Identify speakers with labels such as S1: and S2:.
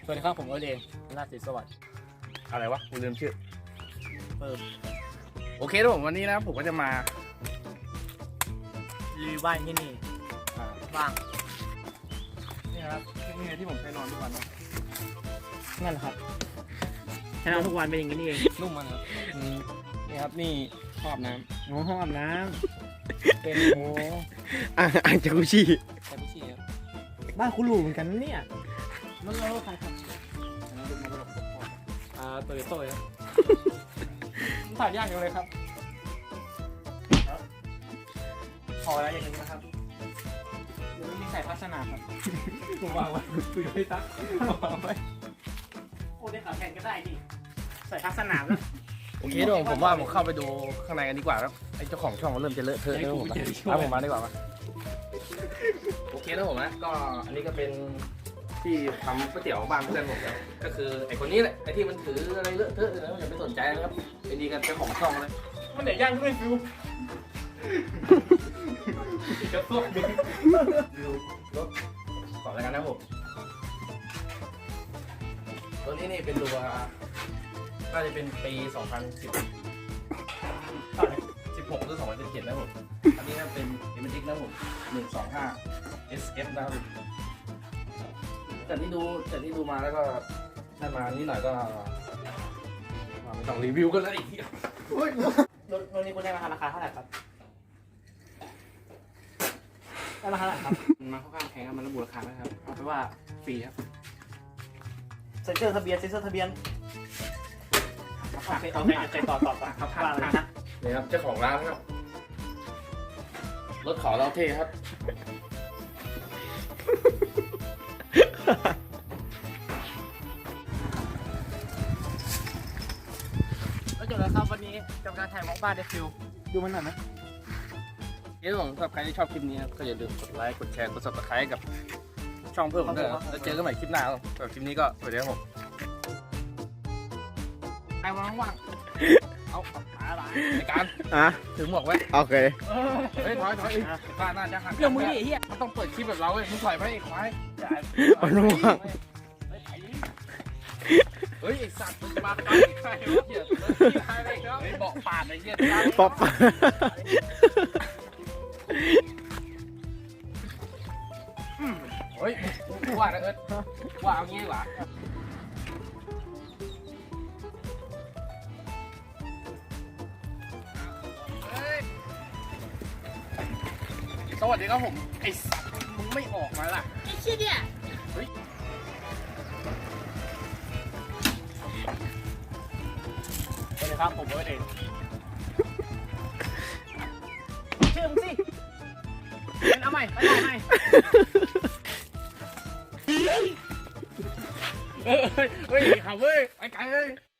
S1: สวัสดีครับผมเอิร์ธเองราชศรีสวัสดิ์
S2: อะไรวะกูลืมชื่อ
S1: เพิ่ม
S2: โอเคทุกคนวันนี้นะผมก็จะมา
S1: รีวิวบ้านที่นี่บ้าง
S2: นี่ครับนี่ที่ผมเคยนอนทุกวันนะ
S1: นั่นแหละครับให้เราทุกวันเป็นอย่างนี้นี่เอง
S2: นุ่มมันครับนี่ครับนี่ครอบน้
S1: โอ้ห้องอาบน้ำเป็นโอ้
S2: ำอ่างจากุชิ
S1: ใช่พี่ชีครับบ้านคุณหรูเหมือนกันนะเนี่ยมันเราใครครับเตยโต้ครับถ่ายยากจังเลยครับพอแล้วอย่างนี้นะครับเดี๋ยวมีใส่พัสนาครับผมวางไว้คุยไม่ตักวางไว้โอ้ได้ขาแข่งก็ได้นี่ใส่พัสนาแล้ว
S2: โอเคทุกคนผมว่าผมเข้าไปดูข้างในกันดีกว่าครับไอ้เจ้าของช่องมันเริ่มจะเลอะเทอะแล้วผมเอาผมมาดีกว่ามาโอเคนะผมนะก็อันนี้ก็เป็นที่ทำก๋วยเตี๋ยวบ้านเพื่อนผมเนี่ยก็คือไอ้คนนี้แหละไอ้ที่มันถืออะไรเลอะเทอะแล้วอย่าไปสนใจนะครับไอ้นี่กันเจ้าของช่องเลย
S1: มันไหนย่างด้วยฟิวกระตุ้น
S2: ดูรถก่อนแล้วกันนะผมตัวนี้นี่เป็นตัวน่าจะเป็นปี 2016 หรือ2017นะผมอันนี้นะเป็นเอเมจิกนะผม125 SF นะครับจากที่ดูมาแล้วก็ได้มานิดหน่อยก็ไม่ต้องรีวิวกันแล้วอีก
S1: รถนี้คุณได้มาราคาเท่าไหร่ครับได้ราคาเท่าไหร่ครับ
S2: มันมาค่อนข้างแพงครับมันระบุราคาไหมครับเอาไปนว่าฟรีครับ
S1: เซ็นเซอร์ทะเบียนโอเคต่อครับว่าเลยนะ
S2: นี่ครับเจ้าของร้านครับรถขอเราเท่ครับ
S1: แล้วจบแล้วครับวันนี้กับการถ่ายวอล์กบ้านเดฟิวดูมันหน่อยไหม
S2: เย้ผมสำหรับใครที่ชอบคลิปนี้ครับก็อย่าลืมกดไลค์กดแชร์กด subscribe กับช่องเพิ่มผมด้วยครับแล้วเจอกันใหม่คลิปหน้าครับสำหรับคลิปนี้ก็สวัสดีครับผมใครว่างๆเอาอะไรในการถือหมวกไว้
S3: โอเค
S2: เฮ้ยถอยป้าน่าจะหัก
S1: เรื่องมือดิเฮีย
S2: มันต้องเปิดคลิปแบบเราเว้ยมึงถอยไปไอ้ควาย
S3: มันรู้ว่า
S2: เฮ้ยไอ้สัตว์มึงมาไปใครวะเหี้ยอะไรครับเบาะปาดไอ้เหี้ย
S3: ป๊อป
S2: เฮ้ยกูว่านะเอิร์ธว่าเอางี้ดีกว่าสวัสดีครับผมไอ้สัตว์มึงไม่ออกมาล่ะ
S4: ไอ้เชี่ยเนี่ย
S1: สวัสดีครับผมเอิร์ธเองชื่อมึงสิเป็นเอาใหม่ไปถ่ายใหม่เฮ้ยขับเว้ยไปไกลเลย